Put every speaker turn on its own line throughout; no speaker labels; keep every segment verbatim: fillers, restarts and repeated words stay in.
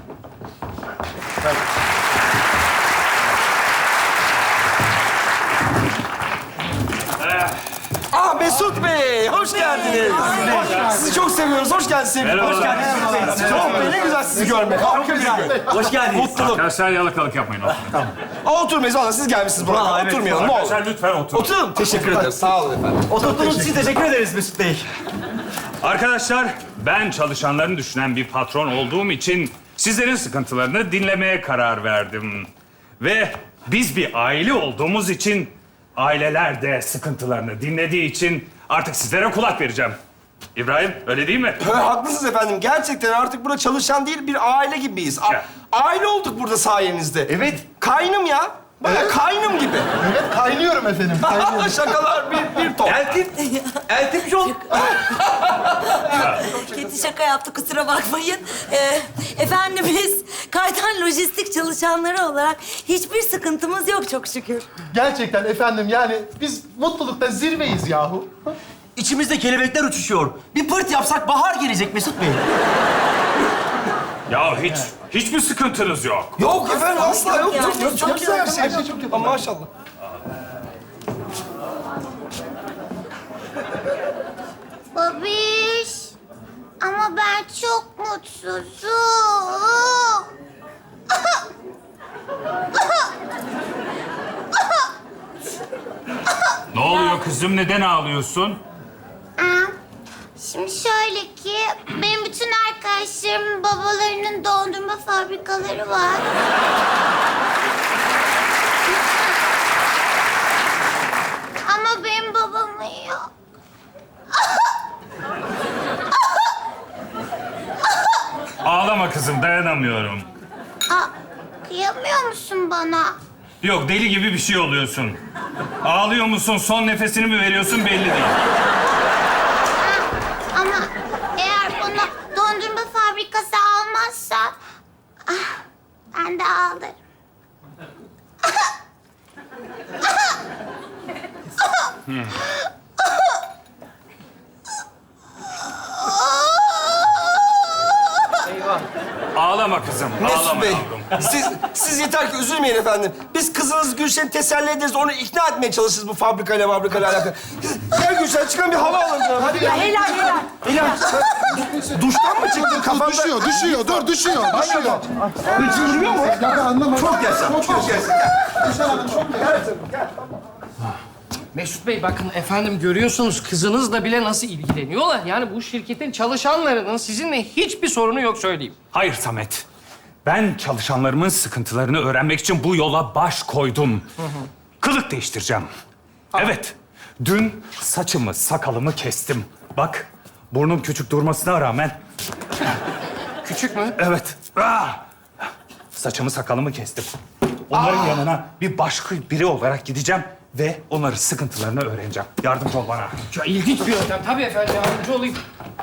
Aa Mesut Bey, hoş geldiniz. Sizi çok seviyoruz. Hoş geldiniz sevgilim. Hoş geldiniz. Çok Bey, ne güzel sizi görmek. Harika bir gün.
Hoş geldiniz.
Mutluluk.
Arkadaşlar yalakalık yapmayın.
Aa, oturmayız valla. Siz gelmişsiniz buraya.
Vallahi evet.
Oturmayalım ne olur.
Arkadaşlar lütfen oturun.
Oturun. Teşekkür ederim. Sağ olun efendim.
Oturttuğunuz için teşekkür ederiz Mesut Bey.
Arkadaşlar, ben çalışanlarını düşünen bir patron olduğum için sizlerin sıkıntılarını dinlemeye karar verdim. Ve biz bir aile olduğumuz için, aileler de sıkıntılarını dinlediği için artık sizlere kulak vereceğim. İbrahim, öyle değil mi?
Ha, haklısınız efendim. Gerçekten artık burada çalışan değil, bir aile gibiyiz. A-
Ya.
aile olduk burada sayenizde.
Evet.
Kaynım ya. Baya kaynım gibi.
Evet, kaynıyorum efendim. Kaynıyorum.
Şakalar bir, bir top.
Eltim, eltim çok.
Kötü şaka yaptı, kusura bakmayın. Ee, efendim biz Kaytan Lojistik çalışanları olarak hiçbir sıkıntımız yok çok şükür.
Gerçekten efendim yani biz mutlulukta zirveyiz yahu.
İçimizde kelebekler uçuşuyor. Bir pırt yapsak bahar gelecek Mesut Bey.
Ya hiç, hiçbir sıkıntınız yok.
Yok efendim asla yok.
Yani.
Çok, çok, çok güzel her şey.
Her şey çok güzel.
Ama maşallah.
Babiş. Ama ben çok mutsuzum.
Ne oluyor kızım? Neden ağlıyorsun?
Aa, Şimdi şöyle ki, benim bütün arkadaşlarımın babalarının dondurma fabrikaları var. Ama benim babamın yok.
Ağlama kızım, dayanamıyorum.
Aa, kıyamıyor musun bana?
Yok, deli gibi bir şey oluyorsun. Ağlıyor musun, son nefesini mi veriyorsun belli değil.
Ama eğer bana dondurma fabrikası almazsa... ah, ben de ağlarım.
Ağlama kızım,
Mesut
ağlama
Bey,
yavrum.
siz, siz yeter ki üzülmeyin efendim. Biz kızınız Gülşen'i teselli ederiz, onu ikna etmeye çalışırız bu fabrikayla fabrikayla alakalı. Gel Gülşen, çıkan bir hava alın canım. Hadi gel.
Helal helal.
Helal. Sen duştan mı çıktın kafanda?
Düşüyor, düşüyor. Dur, düşüyor, düşüyor.
Hiç yürüyor mu?
Ya ben anlamadım.
Çok yaşa, çok yaşa.
Gülşen Hanım çok
Gel canım, gel.
Mesut Bey bakın efendim görüyorsunuz kızınızla bile nasıl ilgileniyorlar. Yani bu şirketin çalışanlarının sizinle hiçbir sorunu yok söyleyeyim.
Hayır Samet. Ben çalışanlarımın sıkıntılarını öğrenmek için bu yola baş koydum. Kılık değiştireceğim. Evet. Dün saçımı, sakalımı kestim. Bak, burnum küçük durmasına rağmen...
Küçük mü?
Evet. Ah! Saçımı, sakalımı kestim. Onların yanına bir başka biri olarak gideceğim ve onların sıkıntılarını öğreneceğim. Yardımcı ol bana.
Ya ilginç bir yöntem. Tabii efendim yardımcı olayım.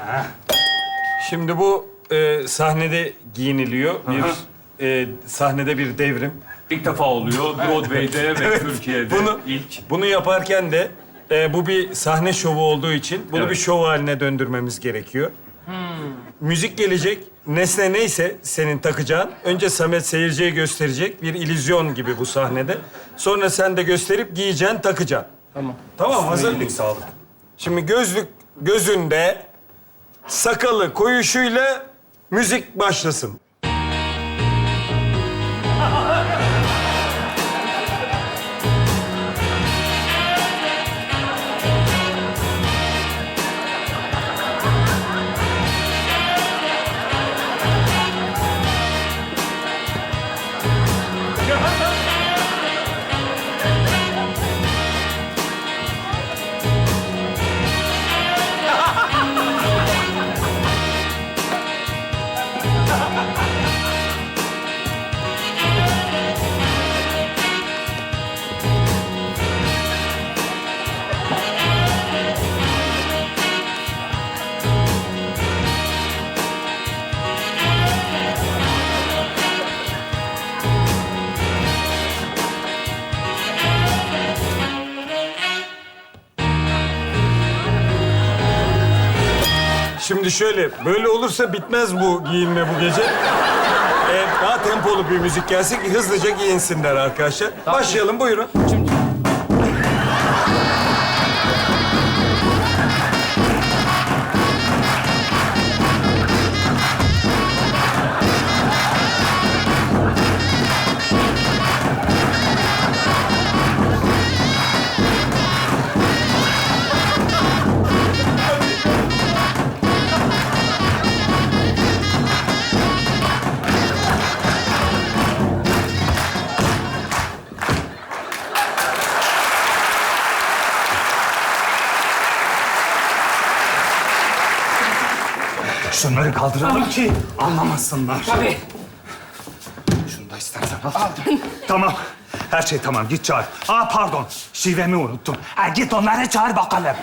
Şimdi bu e, sahnede giyiniliyor. Bir e, sahnede bir devrim.
İlk defa oluyor Broadway'de ve Türkiye'de.
Bunu
ilk.
bunu yaparken de e, bu bir sahne şovu olduğu için bunu
Evet.
bir şov haline döndürmemiz gerekiyor. Müzik gelecek. Nesne neyse senin takacağın. Önce Samet seyirciye gösterecek. Bir illüzyon gibi bu sahnede. Sonra sen de gösterip giyeceksin, takacaksın.
Tamam.
Tamam, hazır mıyız?
Sağlık.
Şimdi gözlük gözünde, sakalı koyuşuyla müzik başlasın. Şimdi şöyle, böyle olursa bitmez bu giyinme bu gece. Ee, tempolu bir müzik gelsin ki hızlıca giyinsinler arkadaşlar. Başlayalım, buyurun.
Şunları kaldıralım ki anlamasınlar.
Tabii.
Şunu da istersen al. Tamam. Her şey tamam. Git çağır. Aa pardon. Şivemi unuttum. Ha, git onları çağır bakalım.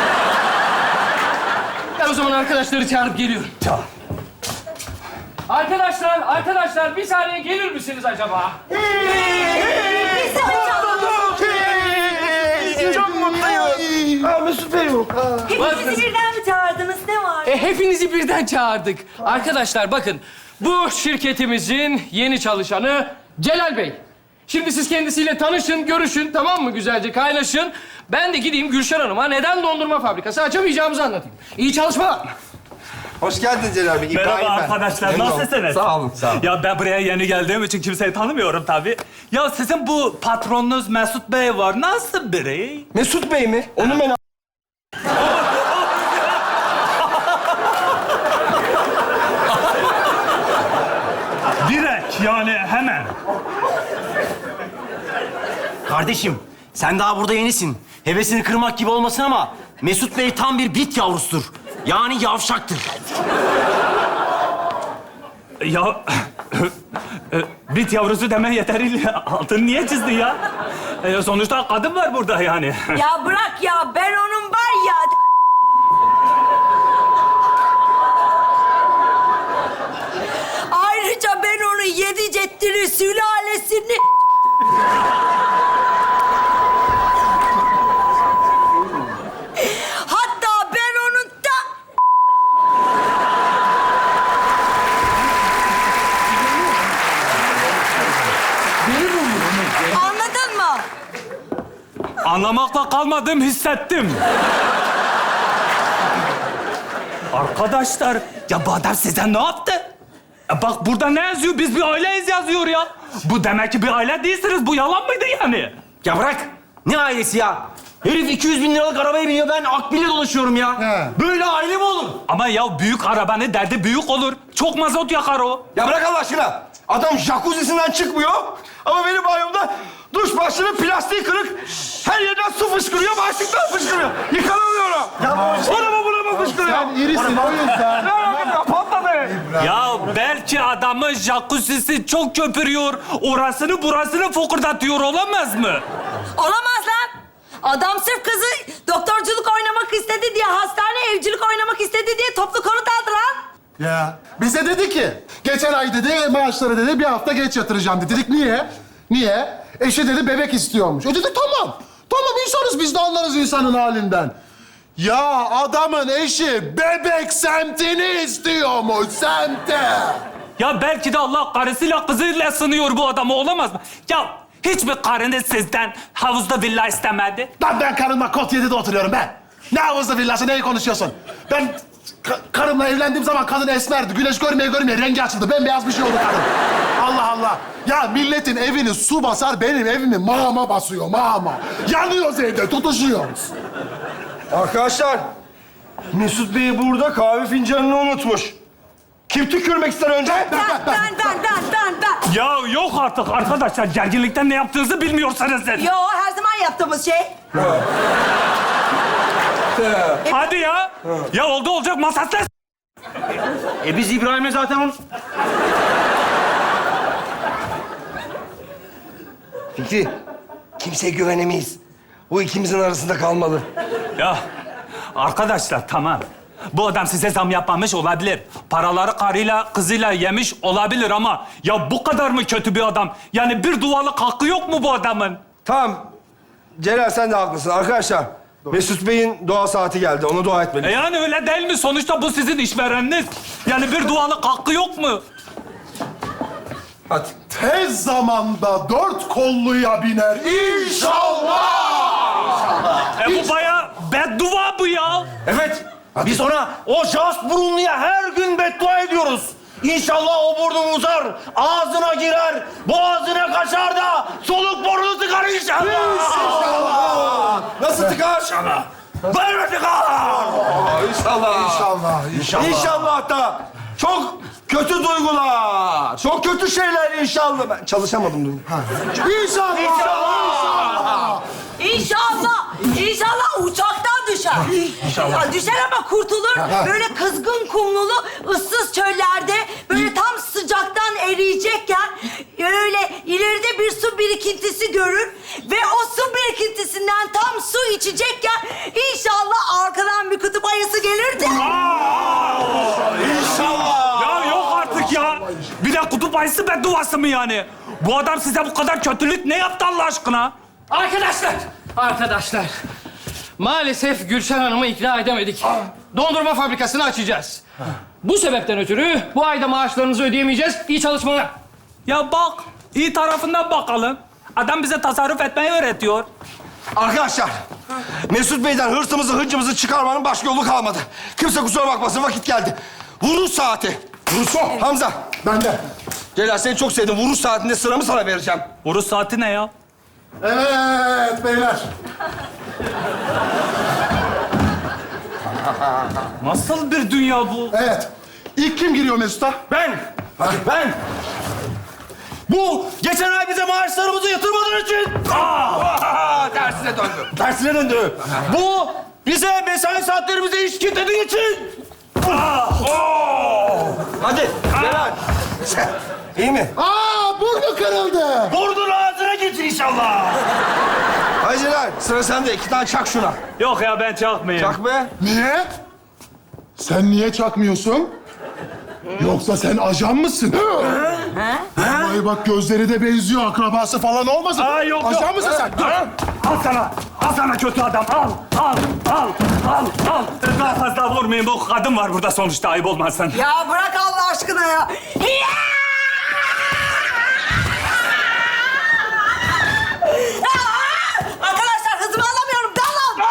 Ben o zaman arkadaşları çağırıp geliyorum.
Çağır.
Arkadaşlar, arkadaşlar bir saniye gelir misiniz acaba?
Çok mutluyum. Aa, Mesut Bey bu.
Hepinizi birden mi çağırdınız? Ne var?
E, hepinizi birden çağırdık. Arkadaşlar bakın, bu şirketimizin yeni çalışanı Celal Bey. Şimdi siz kendisiyle tanışın, görüşün, tamam mı? Güzelce kaynaşın. Ben de gideyim Gülşen Hanım'a neden dondurma fabrikası açamayacağımızı anlatayım. İyi çalışmalar.
Hoş geldin Celal Bey. İbrahim
Merhaba
ben.
arkadaşlar.
Memnun oldum.
Nasılsınız?
Sağ olun, sağ olun.
Ya ben buraya yeni geldiğim için kimseyi tanımıyorum tabii. Ya sizin bu patronunuz Mesut Bey var. Nasıl biri?
Mesut Bey mi? Onu ben...
Direkt yani hemen.
Kardeşim, sen daha burada yenisin. Hevesini kırmak gibi olmasın ama Mesut Bey tam bir bit yavrusudur. Yani yavşaktır.
Ya bit yavrusu deme yeteriyle altını niye çizdin ya? E, sonuçta kadın var burada yani.
Ya bırak ya, ben onun var ya... Ayrıca ben onun yedi ceddini, sülalesini... Hatta ben onun da... Anladın mı?
Anlamakla kalmadım, hissettim. Arkadaşlar, ya bu adam size ne yaptı? E bak burada ne yazıyor? Biz bir aileyiz yazıyor ya. Bu demek ki bir aile değilsiniz. Bu yalan mıydı yani?
Ya bırak. Ne ailesi ya? Herif iki yüz bin liralık arabaya biniyor, ben akbil'e dolaşıyorum ya.
He.
Böyle aile mi olur?
Ama ya büyük arabanın derdi büyük olur. Çok mazot yakar o.
Ya bırak Allah aşkına. Adam jacuzzi'sinden çıkmıyor. Ama benim banyomda duş başlığının plastiği kırık. Her yerden su fışkırıyor, başlıktan fışkırıyor. Yıkanamıyorum. Ya buna mı buna mı fışkırıyor?
Sen irisin o yüzden.
Ne yapayım? Patladı.
Ya belki adamın jacuzzi'si çok köpürüyor. Orasını burasını fokurdatıyor, olamaz mı?
Olamaz lan. Adam sırf kızı doktorculuk oynamak istedi diye, hastane evcilik oynamak istedi diye toplu konut aldı lan.
Ya bize dedi ki, geçen ay dedi maaşları dedi bir hafta geç yatıracağım dedi. Dedik niye? Niye? Eşi dedi bebek istiyormuş. E dedik tamam. Tamam insanız biz de anlarız insanın halinden. Ya adamın eşi bebek semtini istiyormuş, semte.
Ya belki de Allah karısıyla kızıyla sınıyor bu adamı, olamaz mı? Ya hiçbir karınız sizden havuzda villa istemedi.
Lan ben karımla Kot yedi'de oturuyorum ben. Ne havuzlu villası, neyi konuşuyorsun? Ben ka- karımla evlendiğim zaman kadın esmerdi. Güneş görmeye görmeye rengi açıldı. Bembeyaz bir şey oldu kadın. Allah Allah. Ya milletin evini su basar, benim evimi mağma basıyor, mağma. Yanıyoruz evde, tutuşuyoruz.
Arkadaşlar, Mesut Bey burada kahve fincanını unutmuş. Kim tükürmek ister önce?
Ben, ben, ben, ben, ben, ben.
Ya yok artık arkadaşlar, gerginlikten ne yaptığınızı bilmiyorsanız siz.
Yo, her zaman yaptığımız şey.
Hadi ya. Ya oldu olacak masasla.
E biz İbrahim'le zaten onu...
Fikri, kimseye güvenemeyiz. Bu ikimizin arasında kalmalı.
Ya arkadaşlar tamam. Bu adam size zam yapmamış olabilir. Paraları karıyla, kızıyla yemiş olabilir ama ya bu kadar mı kötü bir adam? Yani bir dualık hakkı yok mu bu adamın?
Tamam. Celal sen de haklısın. Arkadaşlar, Mesut Bey'in dua saati geldi. Ona dua
E
etmeliyiz.
yani öyle değil mi? Sonuçta bu sizin işvereniniz. Yani bir dualık hakkı yok mu?
Hadi.
Tez zamanda dört kolluya biner inşallah.
E bu bayağı beddua bu ya.
Evet. Biz ona o jas burunluya her gün beddua ediyoruz. İnşallah o burnun uzar, ağzına girer, boğazına kaçar da soluk burnunu tıkar inşallah.
İnşallah. Nasıl tıkar? İnşallah.
Böyle tıkar.
İnşallah.
İnşallah, inşallah.
İnşallah da çok kötü duygular, çok kötü şeyler inşallah. Ben çalışamadım dün.
İnşallah. İnşallah.
İnşallah, inşallah uçaktan düşer. İnşallah. Ya düşer ama kurtulur. Böyle kızgın kumlulu, ıssız çöllerde böyle tam sıcaktan eriyecekken öyle ileride bir su birikintisi görür ve o su birikintisinden tam su içecekken inşallah arkadan bir kutup ayısı gelir de.
İnşallah.
Ya yok artık ya. Bir de kutup ayısı bedduası mı yani? Bu adam size bu kadar kötülük ne yaptı Allah aşkına?
Arkadaşlar, arkadaşlar. Maalesef Gülşen Hanım'ı ikna edemedik. Dondurma fabrikasını açacağız. Bu sebepten ötürü bu ayda maaşlarınızı ödeyemeyeceğiz. İyi çalışmalar.
Ya bak, iyi tarafından bakalım. Adam bize tasarruf etmeyi öğretiyor.
Arkadaşlar, Mesut Bey'den hırsımızı, hıncımızı çıkarmanın başka yolu kalmadı. Kimse kusura bakmasın, vakit geldi. Vuruş saati. Vuruş. Hamza.
Ben de.
Celal, seni çok sevdim. Vuruş saatinde sıramı sana vereceğim.
Vuruş saati ne ya?
Evet beyler.
Nasıl bir dünya bu?
Evet. İlk kim giriyor Mesut'a?
Ben, ben. Bu geçen ay bize maaşlarımızı yatırmadığın için
Aa, tersine döndü.
tersine döndü. Bu bize mesai saatlerimize iş kitlediği için.
Hadi, Celal. İyi mi?
Aa burnu kırıldı.
Burnun ağzına getir inşallah.
Hadi Celal, sıra sende. İki tane çak şuna.
Yok ya ben çakmayayım.
Çak be.
Niye? Sen niye çakmıyorsun? Yoksa sen ajan mısın? Ay bak gözleri de benziyor. Akrabası falan olmasın?
Aa, yok, yok.
Ajan mısın sen? Dur.
Al sana, al sana kötü adam. Al, al, al, al, al. Daha fazla vurmayın. Bu kadın var burada sonuçta. Ayıp olmasın.
Ya bırak Allah aşkına ya. Arkadaşlar hızımı alamıyorum. Dalın.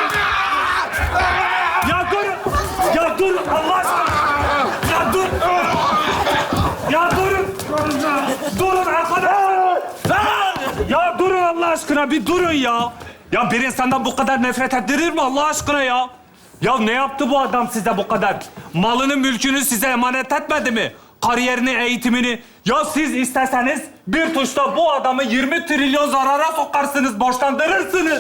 Ya dur! Ya dur Allah aşkına! Ya dur! Ya durun! Durun arkadaşlar! Ya durun Allah aşkına, bir durun ya! Ya bir insandan bu kadar nefret ettirir mi Allah aşkına ya? Ya ne yaptı bu adam size bu kadar? Malını, mülkünü size emanet etmedi mi? Kariyerini, eğitimini. Ya siz isteseniz bir tuşla bu adamı yirmi trilyon zarara sokarsınız, borçlandırırsınız.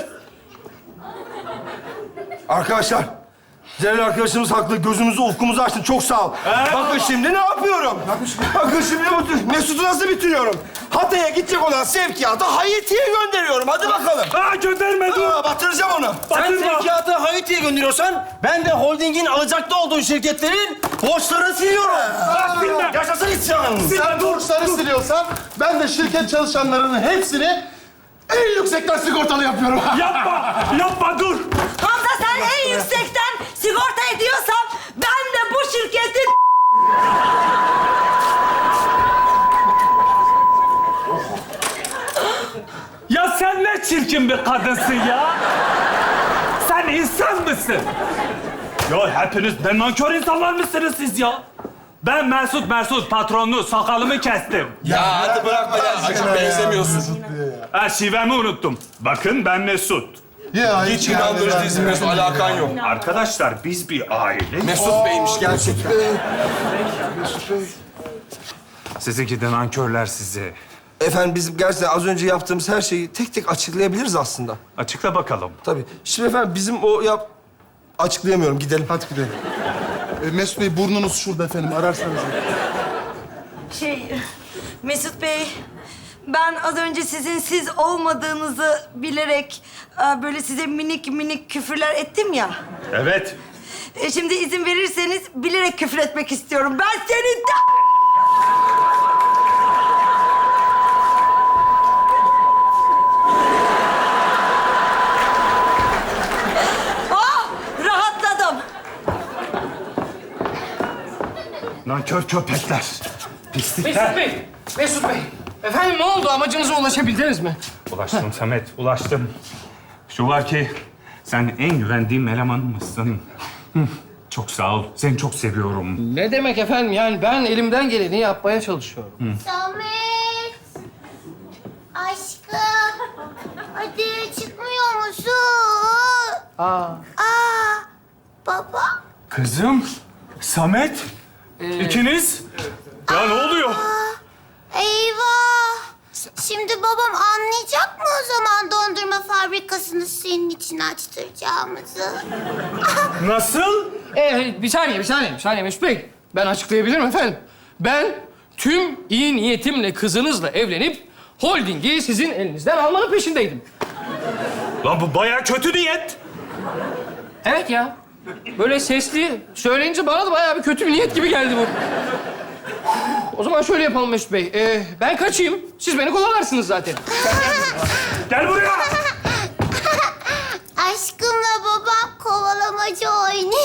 Arkadaşlar, Celal arkadaşımız haklı. Gözümüzü, ufkumuzu açtın. Çok sağ ol. Bakın şimdi ne yapıyorum? Bakın şimdi bu- Mesut'u nasıl bitiriyorum? Hatay'a gidecek olan sevkiyatı Haiti'ye gönderiyorum. Hadi bakalım.
Aa gönderme dur!
Aa, batıracağım onu.
Sen
Batırma.
sevkiyatı Haiti'ye gönderiyorsan ben de holdingin alacaklı olduğu şirketlerin borçlarını siliyorum.
Silme.
Yaşasın isyan.
Sen borçları siliyorsan ben de şirket çalışanlarının hepsini en yüksekten sigortalı yapıyorum.
Yapma! Yapma dur!
Hamza sen en yüksekten sigorta ediyorsan ben de bu şirketin...
Ya sen ne çirkin bir kadınsın ya! Sen insan mısın? Ya hepiniz ne nankör insanlar mısınız siz ya? Ben Mesut Mesut patronlu sakalımı kestim.
Ya hadi bırakma ya. Acı benzemiyorsun.
Ha şivemi unuttum. Bakın ben Mesut.
Ya,
Hiç inandırıcı değilsin Mesut. Alakan yok.
Arkadaşlar biz bir aile.
Mesut Bey'miş gerçekten.
Sizinki de nankörler sizi.
Efendim biz gerçekten az önce yaptığımız her şeyi tek tek açıklayabiliriz aslında.
Açıkla bakalım.
Tabii. Şimdi efendim bizim o yap... Açıklayamıyorum. Gidelim.
Hadi gidelim. E, Mesut Bey burnunuz şurada efendim. Ararsanız.
Şey, Mesut Bey, ben az önce sizin siz olmadığınızı bilerek e, böyle size minik minik küfürler ettim ya.
Evet.
E, şimdi izin verirseniz bilerek küfür etmek istiyorum. Ben senin de... Ah, rahatladım.
Nankör köpekler. Pislikler.
Mesut Bey, Mesut Bey, efendim ne oldu? Amacınıza ulaşabildiniz mi?
Ulaştım Samet, ulaştım. Şu var ki sen en güvendiğim elemanımsın. Hı, çok sağ ol. Seni çok seviyorum.
Ne demek efendim? Yani ben elimden geleni yapmaya çalışıyorum.
Samet. Aşkım. Hadi çıkmıyor musun?
Aa.
Aa. Baba.
Kızım, Samet, ikiniz. Ya ne oluyor?
Eyvah. Şimdi babam anlayacak mı o zaman dondurma fabrikasını senin için açtıracağımızı?
Nasıl?
Ee, bir saniye, bir saniye, bir saniye Mesut Bey. Ben açıklayabilirim efendim. Ben tüm iyi niyetimle kızınızla evlenip holdingi sizin elinizden almanın peşindeydim.
Lan bu bayağı kötü niyet.
Evet ya. Böyle sesli söyleyince bana da bayağı bir kötü bir niyet gibi geldi bu. O zaman şöyle yapalım Mesut Bey. Ee, ben kaçayım. Siz beni kovalarsınız zaten.
Gel buraya.
Aşkımla babam kovalamacı oynuyor.